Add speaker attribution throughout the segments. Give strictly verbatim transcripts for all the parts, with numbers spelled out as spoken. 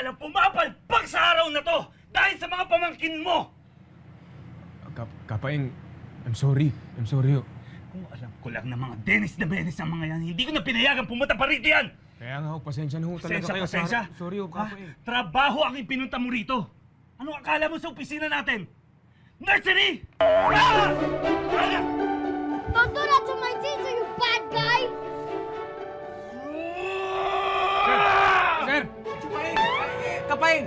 Speaker 1: ka lang pumapalpak sa araw na to dahil sa mga pamangkin mo!
Speaker 2: Kap Kapaeng, I'm sorry. I'm sorry. oh.
Speaker 1: Kung alam ko lang na mga Dennis na Benes ang mga yan, hindi ko na pinayagan pumunta pa rito yan!
Speaker 2: Kaya nga ho, pasensya na ho talaga
Speaker 1: Pasensya,
Speaker 2: kayo.
Speaker 1: pasensya.
Speaker 2: Sa... Sorry ho,
Speaker 1: Ha?
Speaker 2: Kapaeng.
Speaker 1: Trabaho ang ipinunta mo rito. Anong akala mo sa opisina natin? Nursery! Ah! Ah!
Speaker 3: Don't do that to my teacher, you bad guy!
Speaker 2: Sir! Kapaeng! Kapaeng!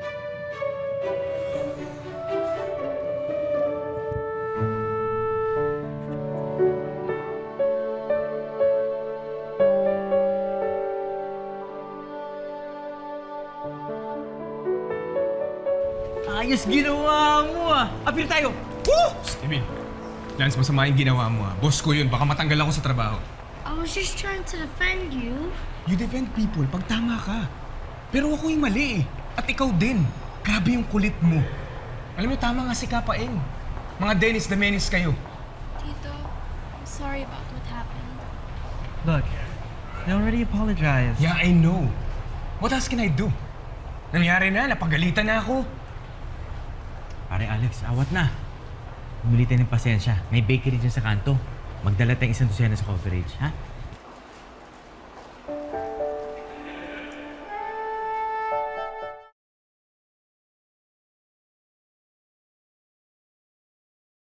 Speaker 4: Ayos ginawa mo ah! Apir tayo! Woo!
Speaker 2: Emil, Lance, masama yung ginawa mo ha. Boss ko yun, baka matanggal ako sa trabaho.
Speaker 3: I was just trying to defend you.
Speaker 2: You defend people pag tama ka. Pero ako yung mali eh. At ikaw din. Grabe yung kulit mo. Alam mo, tama nga si Kapaeng. Mga Dennis the Menace kayo.
Speaker 3: Tito, I'm sorry about what happened.
Speaker 4: Look, I already apologized.
Speaker 2: Yeah, I know. What else can I do? Nangyari na, napagalitan na ako.
Speaker 4: Pare Alex, awat na. Bumili tayo ng pasensya. May bakery dyan sa kanto. Magdala tayong isang dosena sa coverage, ha?